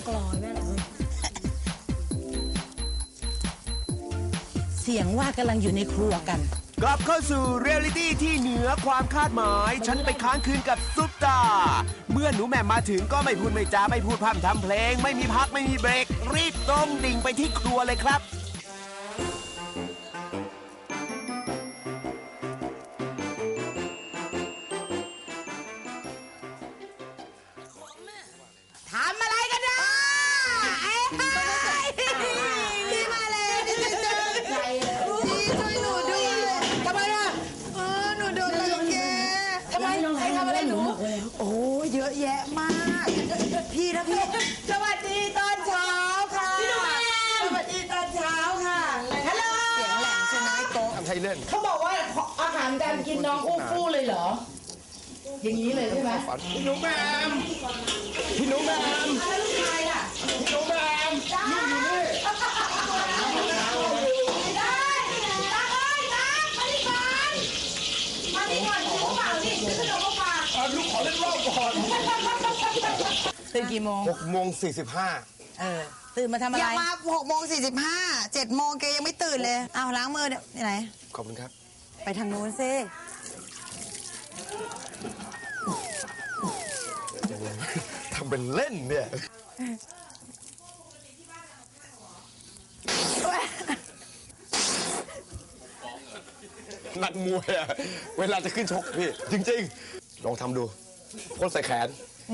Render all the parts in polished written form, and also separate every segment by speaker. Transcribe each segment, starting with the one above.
Speaker 1: กลอยแม่เสียงว่ากำลังอยู่ในครัวกัน
Speaker 2: กลับเข้าสู่เรียลลิตี้ที่เหนือความคาดหมายฉันไปค้างคืนกับซุปตาเมื่อหนูแหม่มมาถึงก็ไม่พูดไม่จาไม่พูดพร่ำทำเพลงไม่มีพักไม่มีเบรกรีบตรงดิ่งไปที่ครัวเลยครับ
Speaker 1: ทำอะไรกันนะพี่มาเลยช่วยหนูด้วยทำไมอ่ะหนูโดนรังแกทำไมใครทำอะไรหนูโอ้เยอะแยะมากพี่นะพี่สวัสดีตอนเช้าค่ะพี่ดูแม่สวัสดีตอนเช้าค่ะฮัลโหลเสียงแหลมใช่ไหมโต๊ะทำไทยเล่นเขาบอกว่าอาหารการกินน้องอู้ฟู่เลยเหรออย่างนี้เลยใช่ไหมพี่หนูแหม่มพี่หนูแหม่มแล้วลูกชายล่ะพี่หนูแหม่มลูกอยู่นี่ได้ตาเอ้ยตามาดิก่อนมาดิก่อนกินข้าวเปล่าดิซื้อขนมมาฝากลูกขอเล่นรอบก่อนตื่นกี่โมง
Speaker 3: 6:45
Speaker 1: ตื่นมาทำอะไร
Speaker 3: อย่ามา6:45 7 โมงแกยังไม่ตื่นเลยเอาล้างมือเนี่ยไหน
Speaker 2: ขอบคุณครับ
Speaker 3: ไปทางนู้นซิ
Speaker 2: ทำเป็นเล่นเนี่ยนักมวยอะเวลาจะขึ้นชกพี่จริงๆลองทำดูพ่นใส่แขน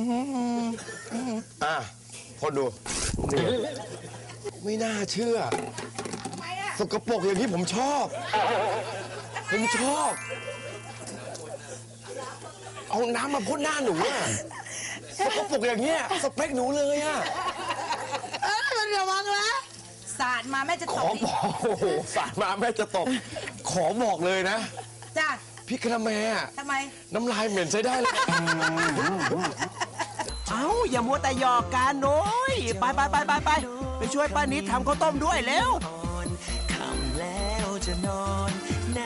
Speaker 2: พ่นดูนี่ไม่น่าเชื่อสกปรกอย่างนี้ผมชอบเอาน้ำมาพ่นหน้าหนูอะสกปรกอย่างเงี้ยสเปคหนูเลยอะ
Speaker 3: มันระวังนะ
Speaker 1: สาดมาแม่จะตบ
Speaker 2: ขอบอกโอ้โหสาดมาแม่จะตบขอบอกเลยนะ
Speaker 1: จ้า
Speaker 2: พี่กระแม
Speaker 1: ทำไม
Speaker 2: น้ำลายเหม็นใช้ได้เลยเอ้าอย่ามัวแต่หยอกกันโน้ยไปช่วยป้านิดทำข้าวต้มด้วยเร็วค่ำแล้วจะนอนไหน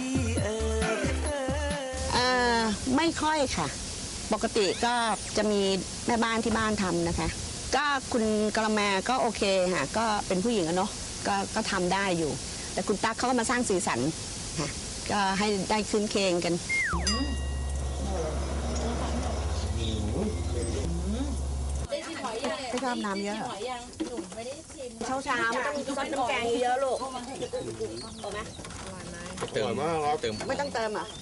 Speaker 4: ไม่ค่อยค่ะปกติก็จะมีแม่บ้านที่บ้านทำนะคะก็คุณกระแมก็โอเคค่ะก็เป็นผู้หญิงอะเนาะก็ทำได้อยู่แต่คุณตั๊กเขาก็มาสร้างสีสันค่ะก็ให้ได้คืนเคงกันไม่ชอบน้ำเยอะเช้าไม่ต้องซดน้ำแกงเยอะลูกถูกไหม
Speaker 2: เติมมากครับ
Speaker 4: ไม่ต้องเติมอ่ะ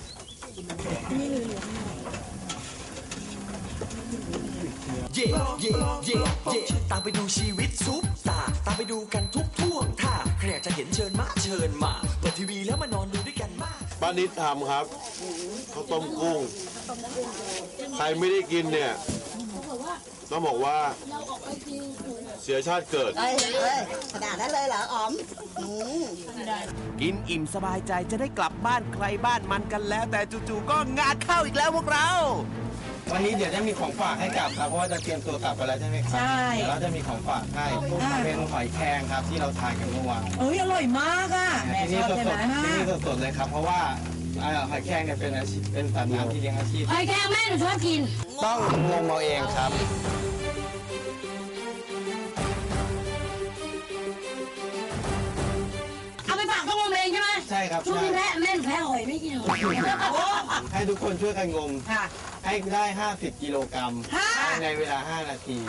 Speaker 5: เย่ตามไปดูชีวิตซุปตาตามไปดูกันทุกท่วงท่าใครอยากจะเห็นเชิญมาเปิดทีวีแล้วมานอนดูด้วยกันมา
Speaker 2: ป้านิดทำครับข้าวต้มกุ้งใครไม่ได้กินเนี่ยต้องบอกว่าเสียชาติเกิด
Speaker 4: ขนาดนั้นเลยเหรออ๋อม
Speaker 2: กินอิ่มสบายใจจะได้กลับบ้านใครบ้านมันกันแล้วแต่จู่ๆก็งานเข้าอีกแล้วพวกเรา
Speaker 6: วันนี้เดี๋ยวจะมีของฝากให้กลับครับเพราะว่าจะเตรียมตัวกลับไปแล้วใช่ไหมครับใช่แล้วจะมีของฝากให้เป็นหอยแครงครับที่เราทานกันเมื่อวาน
Speaker 1: อร่อยมากอ่ะ
Speaker 6: ที่นี่สดเลยครับเพราะว่าหอยแครงเนี่ยเป็นอาชีพเป็นสัตว์น้ำที่เลี้ยงอาชีพ
Speaker 1: หอยแครงแม่หนูชอบกิน
Speaker 6: ต้องงมเอาเองครับ
Speaker 1: เอาไปฝากต้องงมเองใช่ไหม
Speaker 6: ใช่ครับ
Speaker 1: ช่วงนี้แม่หนูแพ้หอยไม่กินหอย
Speaker 6: ให้ทุกคนช่วยกันงมให้ได้50 กิโลกรัมในเวลา5 นาที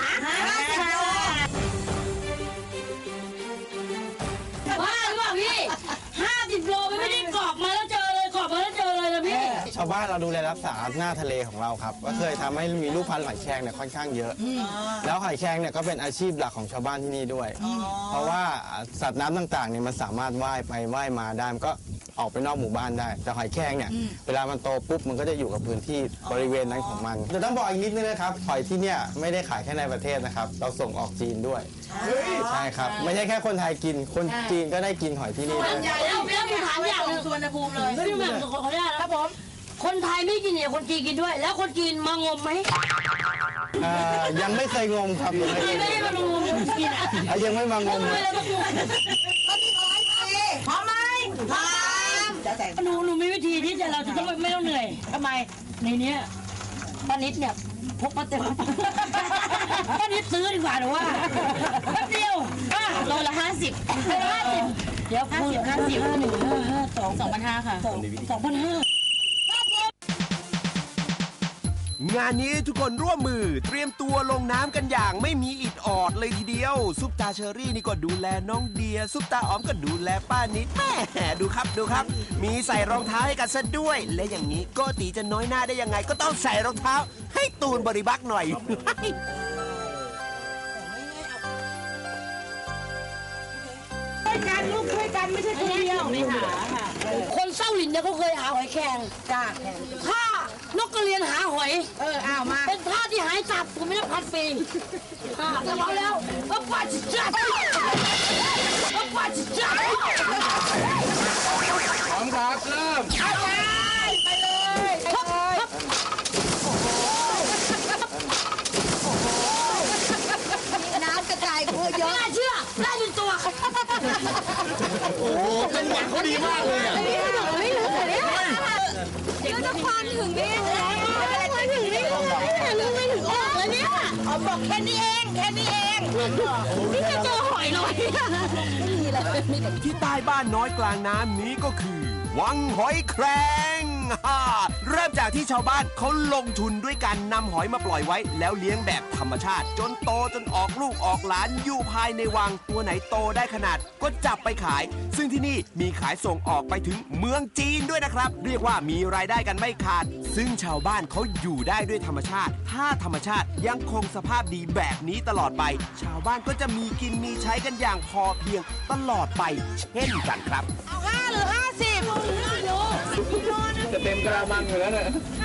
Speaker 1: ว่าหรือเปล่าพี่50 โลไม่ได้กรอบมาแล้วเจอเลยกรอบมาแล้วเจอเลยนะพี่
Speaker 6: ชาวบ้านเราดูแลรักษาหน้าทะเลของเราครับก็เคยทำให้มีลูกพันธุ์หอยแครงเนี่ยค่อนข้างเยอะแล้วหอยแครงเนี่ยก็เป็นอาชีพหลักของชาวบ้านที่นี่ด้วยเพราะว่าสัตว์น้ำต่างๆเนี่ยมันสามารถว่ายไปว่ายมาได้ก็ออกไปนอกหมู่บ้านได้แต่หอยแครงเนี่ยเวลามันโตปุ๊บมันก็จะอยู่กับพื้นที่บริเวณนั้นของมันแต่ต้องบอกอีกนิดนึงนะครับหอยที่เนี่ยไม่ได้ขายแค่ในประเทศนะครับเราส่งออกจีนด้วยใช่ครับไม่ใช่แค่คนไทยกินคนจีนก็ได้กินหอยที่นี่ด้วย
Speaker 1: แล้วมีถามอย่างนึงสุวรรณภูมิเลยพี่แหม่มขออนุญาตครับผมคนไทยไม่กินเนี่ยคนจีนกินด้วยแล้วคนจีนมางมไหม
Speaker 6: ยังไม่เคยงมครับ
Speaker 1: ไม่ได้มางมกิน
Speaker 6: ยังไม่มางม
Speaker 1: พร้อมไหมพร้อมหนูมีวิธีที่เราจะต้องไม่ต้องเหนื่อยทำไมในนี้ป้านิดเนี่ยพกมาเต็ม
Speaker 7: ก็นิดซื้อดีกว่าหนูว่าแป๊บเดียวโลละ50เดี๋ยว50 2,500ค่ะ2,500
Speaker 2: งานนี้ทุกคนร่วมมือเตรียมตัวลงน้ำกันอย่างไม่มีอิดออดเลยทีเดียวซุปตาเชอรี่นี่ก็ดูแลน้องเดียซุปตาอ๋อมก็ดูแลป้านิดแม่ดูครับ มีใส่รองเท้าให้กันซะด้วย และอย่างนี้โกตีจะน้อยหน้าได้ยังไงก็ต้องใส่รองเท้าให้ตูนบริบักหน่อย
Speaker 7: การลูกช่วยกันไม่ใช่คนเดียวไม่หาค่ะคนเศร้าหลินเนี่ยเขาเคยหาหอยแครงจ้าข้านกกระเรียนหาหอยเอามาเป็นท่าที่หายสับผมไม่ได้พัดฟรีจะบอกแล้วว่าป่าจิตจัดว่าป่าจิตจัด
Speaker 6: พร้อมครับเริ่ม
Speaker 7: ไปเลย
Speaker 3: น้ำกระจายคือเยอะ
Speaker 7: น่าเชื่อได้เป็นตัว
Speaker 6: โอ้จังหวะเขาดีมากเลยอ่ะ
Speaker 7: ไม่รู้เลยก็จะควันถึงนี่แล้วควันถึงนี่แล้วลืมไม่ถึงออกแล้วเนี่ยอ๋อบอกแค่นี้เองนี่จะเจอหอยลอย
Speaker 2: ที่ใต้บ้านน้อยกลางน้ำนี้ก็คือ วังหอยแครงเริ่มจากที่ชาวบ้านเขาลงทุนด้วยการนำหอยมาปล่อยไว้ แล้วเลี้ยงแบบธรรมชาติ จนโตจนออกลูกออกหลานอยู่ภายในวังตัวไหนโตได้ขนาดก็จับไปขาย ซึ่งที่นี่มีขายส่งออกไปถึงเมืองจีนด้วยนะครับ เรียกว่ามีรายได้กันไม่ขาด ซึ่งชาวบ้านเขาอยู่ได้ด้วยธรรมชาติ ถ้าธรรมชาติยังคงสภาพดีแบบนี้ตลอดไป ชาวบ้านก็จะมีกินมีใช้กันอย่างพอเพียงตลอดไป เช่นกันครับ
Speaker 3: เอา5หรือ50
Speaker 6: จะเต็มกระมังอยู่แล้วเนี่ย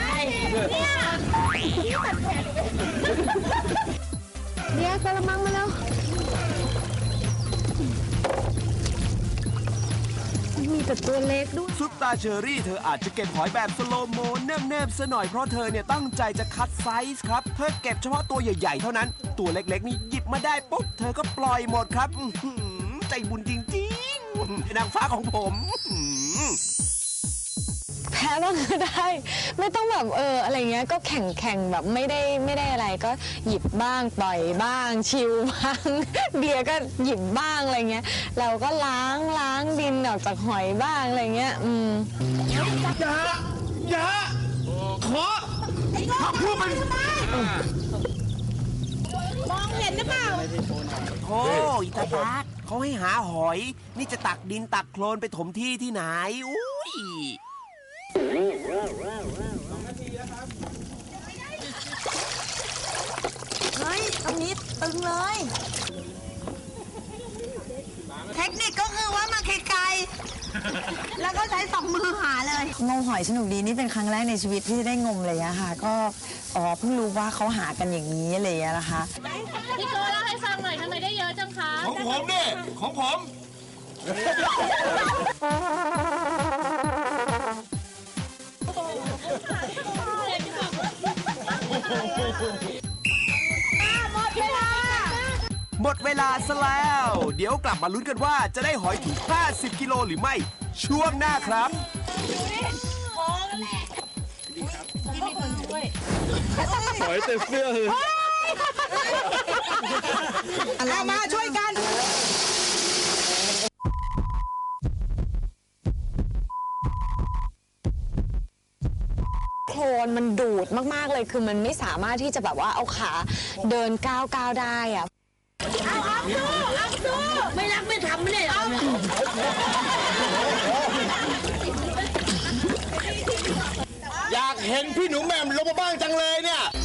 Speaker 4: เดี๋ยวกระมังมาแล้วมีแต่ตัวเล็กด้วย
Speaker 2: ซุปตาเชอรี่เธออาจจะเก็บหอยแบบสโลโมเนิบๆซะหน่อยเพราะเธอเนี่ยตั้งใจจะคัดไซส์ครับ เธอเก็บเฉพาะตัวใหญ่ๆเท่านั้น ตัวเล็กๆนี่หยิบมาได้ปุ๊บเธอก็ปล่อยหมดครับอื้อหือใจบุญจริงๆนางฟ้าของผม
Speaker 8: แพ้บ้างก็ได้ ไม่ต้องแบบอะไรเงี้ยก็แข่งแบบไม่ได้อะไรก็หยิบบ้างปล่อยบ้างชิลบ้าง เดียก็หยิบบ้างอะไรเงี้ยเราก็ล้างดินออกจากหอยบ้างอะไรเงี้ย
Speaker 2: อย่าขอพูดมัน
Speaker 7: มองเห็นหรือเปล่า
Speaker 2: โอ้อิตาตักเขาให้หาหอย นี่จะตักดินตักโคลนไปถมที่ที่ไหนอุ้ย
Speaker 3: เฮ้ยตรงนี้ตึงเลย เทคนิคก็คือว่ามาไกลๆแล้วก็ใช้2 มือหาเลยงมหอยสนุกดีนี่เป็นครั้งแรกในชีวิตที่ได้งมเลยอะค่ะก็เพิ่งรู้ว่าเขาหากันอย่างนี้อะไรอย่างเงี้ยนะคะ
Speaker 9: พี่โจเล่าให้ฟังหน่อยทำไมได้เยอะจังคะ
Speaker 6: ของผมเนี่ยของผม
Speaker 2: หมดเวลาซะแล้ว เดี๋ยวกลับมาลุ้นกันว่าจะได้หอยถึง50 กิโลหรือไม่ ช่วงหน้าครับ
Speaker 6: หอยเต็มเสื้อเลย
Speaker 3: เอามาช่วยกัน
Speaker 8: โคลนมันดูดมากๆเลยคือมันไม่สามารถที่จะแบบว่าเอาขาเดินก้าวได้อะ
Speaker 7: ไม่รักไม่ทำไม่ได้เหรอ
Speaker 6: อยากเห็นพี่หนูแหม่มลงมาบ้างจังเลยเนี่ย